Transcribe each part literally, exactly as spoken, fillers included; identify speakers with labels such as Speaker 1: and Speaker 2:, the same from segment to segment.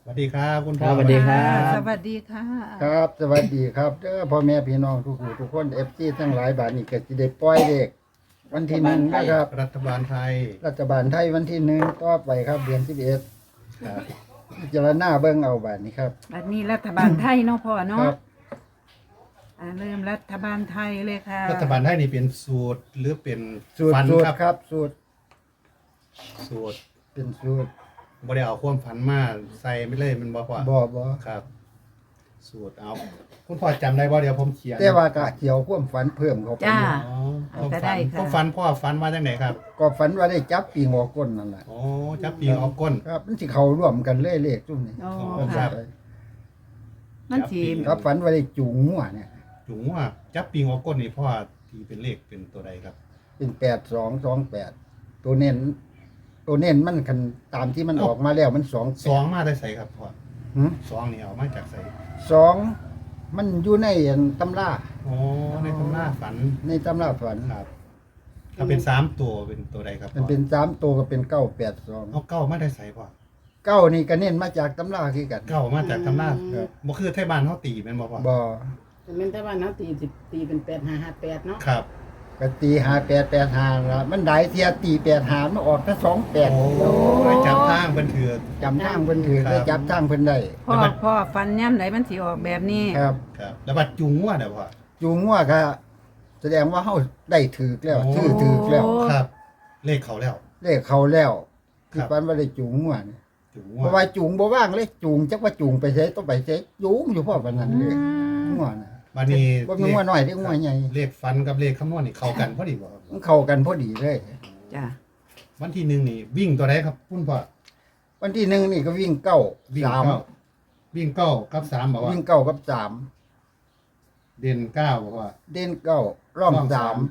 Speaker 1: สวัสดีครับคุณ
Speaker 2: ค
Speaker 1: พ่อ
Speaker 2: รับสวัสดีครับ
Speaker 3: สวัสดีค่ะ
Speaker 4: ครับสวัสดีครับเด้อพ่อแม่พี่น้องทุกผู้ทุกคนเอฟซีทั้งหลายบาทนี่ก็สิได้ปล่อยเด็กวันที่หนึ่งนะครับ
Speaker 1: รัฐบาลไทย
Speaker 4: รัฐบาลไทยวันที่หนึ่งต่อไปครับเดือนสิบเอ็ด
Speaker 1: ครับ
Speaker 4: พิจารณาเบิ่งเอาบาทนี้ครับ
Speaker 3: อันนี้รัฐบาลไทยเนาะพ่อ
Speaker 4: ค
Speaker 3: เนาะ
Speaker 4: รับ
Speaker 3: อ่าเริ่มรัฐบาลไทยเลยค่ะ
Speaker 1: รัฐบาลไทยนี่เป็นสูตรหรือเป็น
Speaker 4: สูตร
Speaker 1: ฝัน
Speaker 4: สูตร
Speaker 1: ครับ
Speaker 4: ครับ สูตร
Speaker 1: สูตร
Speaker 4: เป็นสูตร
Speaker 1: บ่ได้เอาความฝันมาใส่ไม่เลยมันบ่พอ
Speaker 4: บ่บ่
Speaker 1: ครับ สูตรเอาคุณพ่อจำได้บ่เดี๋ยวผมเขียน
Speaker 4: แต่ว่ากะเกี่ยวความฝันเพิ่มเข้าไป
Speaker 3: จ้า
Speaker 1: อ๋อความ
Speaker 3: ก็
Speaker 1: ฝั
Speaker 3: ได้
Speaker 1: น
Speaker 3: ค่ะ
Speaker 1: ความฝันพ่อฝันมาจากไหนครับ
Speaker 4: ก็ฝันว่าได้จับปีงอก้นนั่นแหละ
Speaker 1: โอ้จับปีงออกก้น
Speaker 4: ครับมันสิเข้าร่วมกันเลยเลขซุ่มนี่
Speaker 3: โอ้
Speaker 1: ครั
Speaker 3: ค่ะ
Speaker 1: บ
Speaker 3: มันสี
Speaker 4: ครับฝันว่าได้จูงงัวเนี่ย
Speaker 1: จุงว่าจับปีงออกก้นนี่พ่อที่เป็นเลขเป็นตัวใดครับ
Speaker 4: เป็นแปดสองสองแปดตัวเน้นตัวเน้นมันคันตามที่มันออกมาแล้วมันสอง
Speaker 1: สองมาได้ใส่ครับพ่อ
Speaker 4: หืม
Speaker 1: สองนี่เอามาจากใส่
Speaker 4: สองมันอยู่ในตำรา
Speaker 1: โอ้ในตำราฝัน
Speaker 4: ในตำราฝัน
Speaker 1: ครับ ถ้าเป็นสามตัวเป็นตัวใดครับ
Speaker 4: มันเป็นสามตัวก็เป็นเก้าแปดสอง
Speaker 1: เอาเก้ามาได้ใส่พ่อ
Speaker 4: เก้านี่ก็เน้นมาจากตำราคือกัน
Speaker 1: เก้ามาจากตำรา
Speaker 4: ครับ
Speaker 1: บ่คือไทยบ้านเขาตีแม่นบ่พ่อ
Speaker 4: บ่
Speaker 5: แต่แม่นแต่ว่าเนาะตีสิตีเป็นแปดห้าห้าแปดเนาะ
Speaker 1: ครับ
Speaker 4: ก็ตีหาแปดแปดหาละมันได้เทียตีแปดหามันออกแค่สองแปด
Speaker 1: โอ้ยจับทางเพิ่นถือ
Speaker 4: จำทางเพิ่นถือ
Speaker 1: ครับ
Speaker 4: ได้จับทางเพิ่นได้
Speaker 3: พ่อพ่อฟันย่ำไหนมันสีออกแบบนี้
Speaker 4: ครับ
Speaker 1: ครับ แล้วบัดจุงว่าเด้อพ่อ
Speaker 4: จูงงัวก็แสดงว่าเฮาได้ถือแล้วถือถือแล้ว
Speaker 3: โอ้
Speaker 1: ครับ เลขเขาแล้ว
Speaker 4: เลขเขาแล้ว
Speaker 1: ครั
Speaker 4: คือบ ฝันว่าได้จูงงัวนี่
Speaker 1: จุง
Speaker 4: เพ
Speaker 1: ว่า
Speaker 4: ราะว่าจูงบ่ว่างเลยจูงจักว่าจูงไปไสต้องไปไสจูงอยู่พอปานนั้นเลย
Speaker 3: อืม
Speaker 4: งัวน่ะ
Speaker 1: บัดนี้
Speaker 4: บ่มีงัวน้อยเด้งัวใหญ่
Speaker 1: เลขฟันกับเลขคำนวณนี่เข้ากันพอดีบ่ครับ
Speaker 4: มันเข้ากันพอดีเลย
Speaker 3: จ้ะ
Speaker 1: วันที่หนึ่งนี่วิ่งตัวใดครับคุณพ่อ
Speaker 4: วันที่หนึ่งนี่ก็วิ่งเก้า
Speaker 1: วิ่ง
Speaker 4: สาม
Speaker 1: เก้าวิ่งเก้ากับสามบอกว่า
Speaker 4: วิ่งเก้ากับสาม
Speaker 1: เด่นเก้าบอกว่า
Speaker 4: เด่นเก้าร่อง
Speaker 1: ร่องสา
Speaker 4: สาม ม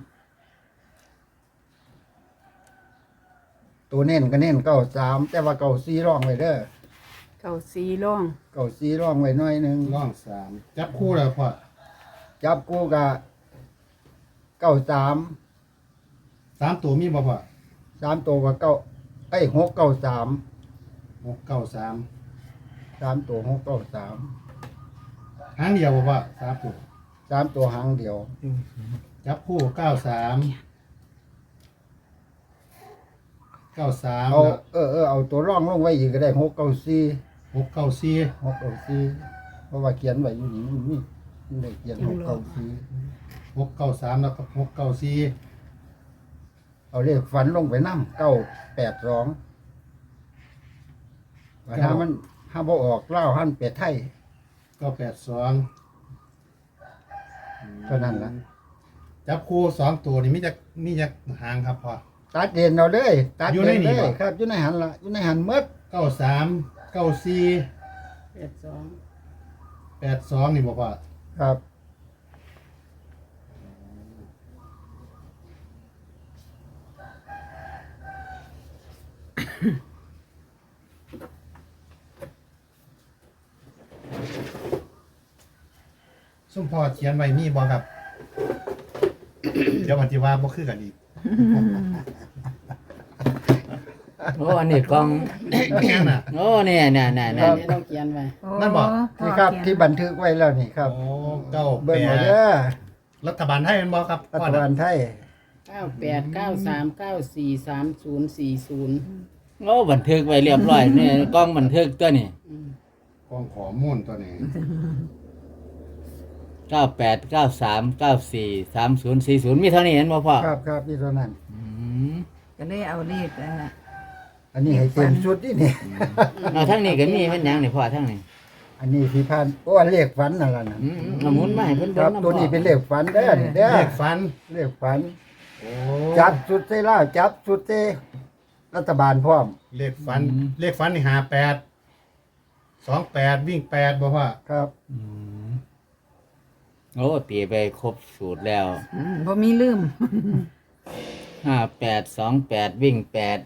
Speaker 4: ตัวเน้นก็เน้นเก้าสามแต่ว่าเก้าสี่ร่องไว้เด้อ
Speaker 3: เก่าสีร่อง
Speaker 4: เก้าสี่ร่องไว้หน่อยหนึง
Speaker 1: ร่องสามจับคู่แล้วพ่อ
Speaker 4: จับกูกะเก้าสาม
Speaker 1: สามตัวมีบ่พ่อ
Speaker 4: สามตัวกับเก้าไอ้ยหกเก้าสาม
Speaker 1: หกเก้าสาม
Speaker 4: สามตัวหกเก้าสาม
Speaker 1: หางเดียวบ่พ่อสามตัว
Speaker 4: สามตัวหางเดียว
Speaker 1: จับคู่เก้าสามเก้าสาม
Speaker 4: เอาเออเออเอาตัวร่องลงไว้อีกก็ได้หกเก้าสี่
Speaker 1: หกเก้าสี่
Speaker 4: หกเก้าสี่เพราะว่าเขียนไว้อยู่นี่มันมีมันได้เขียนหกเก้าสี่
Speaker 1: หกเก้าสามแล้วก็หกเก้าสี่
Speaker 4: เอาเลขฝันลงไปน้ำเก้าแปดสองว่าถ้ามันถ้าบ่ออกเล่าหันเป็ดไทย
Speaker 1: เก้าแปดสอง
Speaker 4: เท่านั้นล่ะ
Speaker 1: จับคู่สองตัวนี่มีจักมีจักหางครับพ่อ
Speaker 4: ตัดเด่นเอาเลยตัด
Speaker 1: อยู่ใน
Speaker 4: เด่น
Speaker 1: นี่
Speaker 4: เลย
Speaker 1: บ่
Speaker 4: ครับอยู่ในหันละอยู่ในหันหมด
Speaker 1: เก้าสามเก้าสี่
Speaker 5: แปดสอง
Speaker 1: แปดสองนี่บ่พ่อ
Speaker 4: ครับ
Speaker 1: ซุ่มพ่อเขียนไว้มีบ่ครับ เดี๋ยวมันสิว่าบ่คือกันอีก
Speaker 2: โอ้อันนี้กล้อง
Speaker 1: แม่นน่ะ
Speaker 2: โอ้เนี่ยเนี่ยเนี่ยเนี่ย
Speaker 5: นี่ต้องเขียนไว้
Speaker 3: โอ้
Speaker 1: นั่นบอก
Speaker 3: พ่อ
Speaker 4: นี่ครับ
Speaker 3: เขียน
Speaker 4: ที่บันทึกไว้แล้วนี่ครับ
Speaker 1: โอ้เก้าแป
Speaker 4: เบิ่งเอา
Speaker 1: ด
Speaker 4: เด้อ
Speaker 1: รัฐบาลไทยแม่นบ่ครับ
Speaker 4: รั
Speaker 1: พ่อ
Speaker 4: ฐ
Speaker 1: น่ะ
Speaker 4: บาลไทย
Speaker 5: เก้าแปดเก้าสามเก้าสี่สามศูนย์สี่ศูนย์
Speaker 2: โอ้บันทึกไว้เรียบร้อยเนี่ยกล้องบันทึกตัวนี่
Speaker 1: กองข้อมูลตัวนี้
Speaker 2: เก้าแปดเก้าสามเก้าสี่สามศูนย์สี่ศูนย์มีเท่านี้เห็นบ่พ่อ
Speaker 4: ครับครับนี่เท่านั้น
Speaker 2: อืม
Speaker 3: ก็เลยเอาเลขอ่ะ
Speaker 4: อันนี้ให้เต็มชุดนี่นี่
Speaker 2: เอาทั้งนี้ก็มีเป็นหยังนี่พ่อทั้งนี้
Speaker 4: อันนี้สีพันโอ้อันเลขฝันนั่นล่ะนะ
Speaker 2: อืมเอาหมุนมาให้เพิ่น
Speaker 4: ค
Speaker 2: เบิ่
Speaker 4: รั
Speaker 2: ง
Speaker 4: บ
Speaker 2: นำ
Speaker 4: ตัวนี้เป็นเลขฝันเด้อนี่เด้อ
Speaker 1: เลขฟัน
Speaker 4: เลขฝัน
Speaker 1: โอ้
Speaker 4: จับสุดเซล่าจับสุดเซรัฐบาลพร้อม
Speaker 1: เลขฟัน เลขฟันนี่หาแปดสองแปดวิ่งแปดบ่พ่อ
Speaker 4: ครับ
Speaker 2: อืมโอ้ตีไปครบสูตรแล้ว
Speaker 3: อืมบ่มีลืม
Speaker 2: ห้าแปดสองแปดวิ่งแปด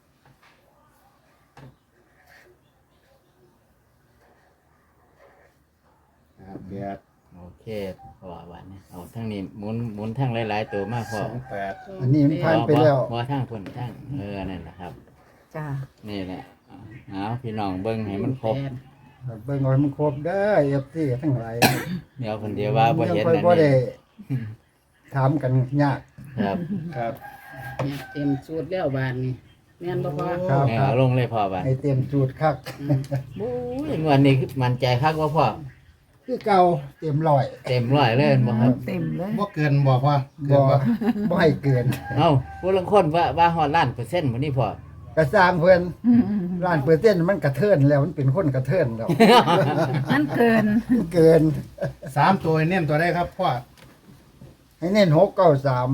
Speaker 1: หาแปด
Speaker 2: โอเคพ่อว่าเนี่ยเอาทั้งนี้หมุนหมุนทั้งหลายๆตัวมาพ่อ
Speaker 1: สองแปด
Speaker 4: อันนี้มันผ่านไปแล้ว
Speaker 2: บ่ทั้งพุ่นทั้งเออนั่นแหละครับ
Speaker 3: จ้ะ
Speaker 2: นี่แหละเอาพี่น้องเบิ่งให้มันครบ
Speaker 5: แปด
Speaker 4: เบิ่งเอาให้มันครบเด้อ เอฟ ซี ทั้งหลาย
Speaker 2: เดี๋ยวคนเดียวว่าบ่เห็น
Speaker 4: ค่อย
Speaker 2: นั่น
Speaker 4: บ่ได้
Speaker 2: นี่
Speaker 4: ถามกันยาก
Speaker 2: ครับ
Speaker 1: ครับ
Speaker 5: เนี่ยเต็มสูตรแล้วบานนี่แม่นบ่พอ
Speaker 4: ครับ
Speaker 2: แม่เอาลงเลยพ่อบัด
Speaker 4: ให้เต็มสูตรคัก
Speaker 2: โอ้ยงวันนี้คือมั่นใจคักว่าพ่อ
Speaker 4: คือเก่าเต็มร้อย
Speaker 2: เต็มร้อยเลยบ่ครับ
Speaker 3: เต็มเลย
Speaker 1: บ่เกินบอกว่าเกิ
Speaker 4: บ่
Speaker 1: นบ่
Speaker 4: บ่ให้เกิน
Speaker 2: เอ้าผู้ลางคนว่าว่าฮอดล้านเปอร์เซ็นต์มื้อนี้พ่อ
Speaker 4: กระสร้างเพิ่นร้านเปอร์เซ็นต์มันกระเทินแล้วมันเป็นคนกระเทินแล้ว
Speaker 3: นั่นเกิน
Speaker 4: เกิน
Speaker 1: สามตัวเน้นตัวได้ครับพ่อ
Speaker 4: ให้เน้นหกเก้าสาม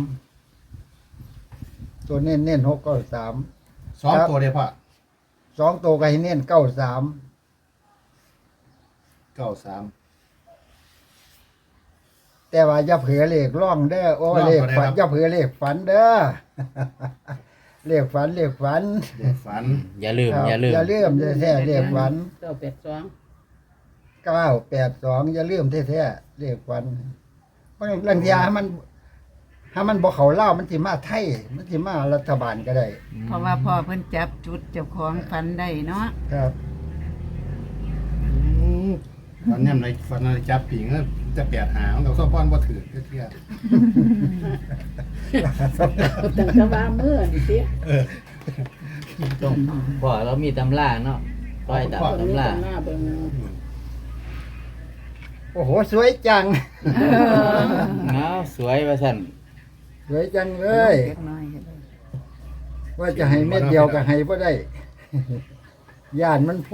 Speaker 4: ตัวเน้นเน้นหกเก้าสาม
Speaker 1: สองตัวเด้พ่อ
Speaker 4: สองตัวก็ให้เน้นเก้าสาม
Speaker 1: เก้าสาม
Speaker 4: แต่ว่าอย่าเผลอเลขร่องเด้อโอ้
Speaker 1: ร่อง
Speaker 4: เลข
Speaker 1: ตัวใด
Speaker 4: ฝัน
Speaker 1: ครับ
Speaker 4: อย่าเผลอเลขฝันเด้อ เลขฝันเลขฝัน
Speaker 1: เด็กฝัน
Speaker 2: อย่าลืม
Speaker 4: ครับ
Speaker 2: อย่าลืม
Speaker 4: อย่าลืมแท้ๆเลขฝัน
Speaker 5: เก้าแปดสอง
Speaker 4: เก้าแปดสองอย่าลืมแท้ๆเลขฝันเพราะลังเทียให้มันถ้ามันบ่เขาเล่าวมันสิมาไทยมันสิมารัฐบาลก็ได้
Speaker 3: เพราะว่าพ่อเพิ่นจับจุดเจ้าของฟันได้เนาะ
Speaker 4: ครับ
Speaker 1: ฝันย่ำในฝันในจับปิงแล้วจะแปดหางเราซ่อมป้อนบ่ถือเที่ย
Speaker 5: ตั้งแต่ว่ามื้อนี่ติ
Speaker 2: ต้องพ่อเรามีตำราเนาะปล่อยตาม
Speaker 5: ตรงนี้
Speaker 2: ตำรา
Speaker 5: ตำหน้าเบิ่ง
Speaker 4: โอ้โหสวยจัง
Speaker 2: เอาสวยว่าซั่น
Speaker 4: สวยจังเลย
Speaker 3: เล็กน้อยก็ได้
Speaker 4: ว่าจะให้เม็ดเดียวก็ให้บ่ได้ ย่านมันโพ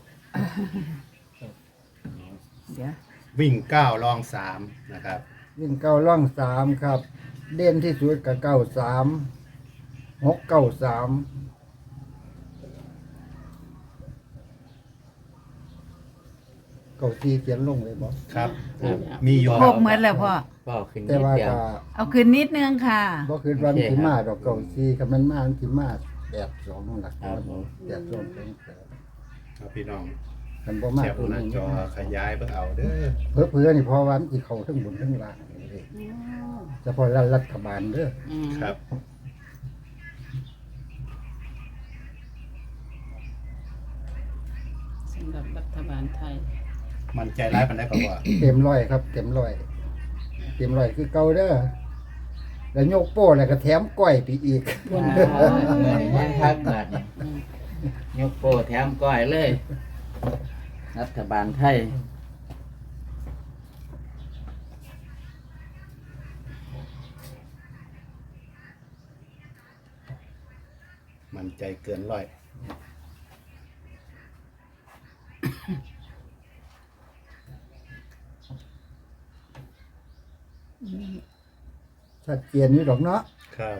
Speaker 3: เดี๋ยว
Speaker 1: วิ่งเก้าลองสามนะครับ
Speaker 4: วิ่งเก้าล่องสามครับ เด่นที่สุดกับเก้าสามหกเก้าสามเก้าสี่เขียนลงเลยบอก
Speaker 1: ครับ
Speaker 2: ครับ
Speaker 1: มีอยู่
Speaker 3: ครบหมดแล้วพ่อ
Speaker 2: พ่อขึ้น
Speaker 4: แต่
Speaker 2: นิด
Speaker 4: ว่า
Speaker 2: เดียว
Speaker 4: ก็
Speaker 3: เอาขึ้นนิดนึงค่ะ
Speaker 4: บ่คือวันสิมาดอกเก้าสี่คันมันมามันสิมาแปดสองหลัก
Speaker 2: ครับผม
Speaker 4: แปดสองเป็นแปด
Speaker 1: ครับพี่น้อง
Speaker 4: คันบ่มา
Speaker 1: แคป
Speaker 4: ตัว
Speaker 1: หน้า
Speaker 4: นี้
Speaker 1: จอขยายเพื่อเอาเด้อ
Speaker 4: เพื่อเพื่อนี่เพอวันที่เขาทั้งบนทั้งล่างเลยเฉพาะรัฐบาลเด้อ
Speaker 5: อืม
Speaker 1: ครับ
Speaker 5: สำหรับรัฐบาลไทย
Speaker 1: มันใจร้ายปันได้ก็ว่า
Speaker 4: เต็มร้อยครับ เต็มร้อย เต็มร้อยคือเก่าเด้อแล้วโยกโป้แล้วก็แถมก้อยไปอีก
Speaker 5: บน
Speaker 2: อ่าเหมือนยังคักบาดนี่ยกโปแถมก้อยเลย รัฐบาลไทย
Speaker 1: มันใจเกินร้อย
Speaker 4: ชัดเจนอยู่ดอกเนาะ
Speaker 1: ครับ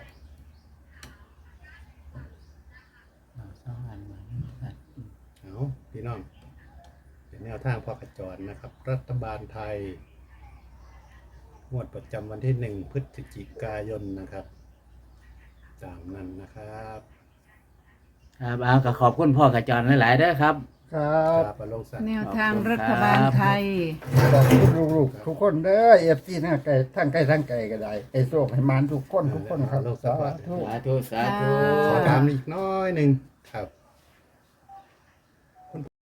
Speaker 1: เอาพี่น้อง เป็นแนวทางพ่อกระจรนะครับ รัฐบาลไทย งวดประจำวันที่หนึ่งพฤศจิกายนนะครับตามนั้นนะครับ
Speaker 2: ครับเอาก็ขอบคุณพ่อกระจรหลายๆเด้อครับ
Speaker 4: ครับ
Speaker 1: ครับอลงสัก
Speaker 3: แนวทางรัฐบาลไทย
Speaker 4: ขอบคุณลูกๆทุกคนเด้อเอฟซีนะไก่ทั้งไก่ทั้งไก่ก็ได้ไอ้โชคให้มานทุกคนทุกคนครับสาธุ
Speaker 2: สาธุ สาธุ
Speaker 1: ขอถามอีกน้อยหนึ่งครับ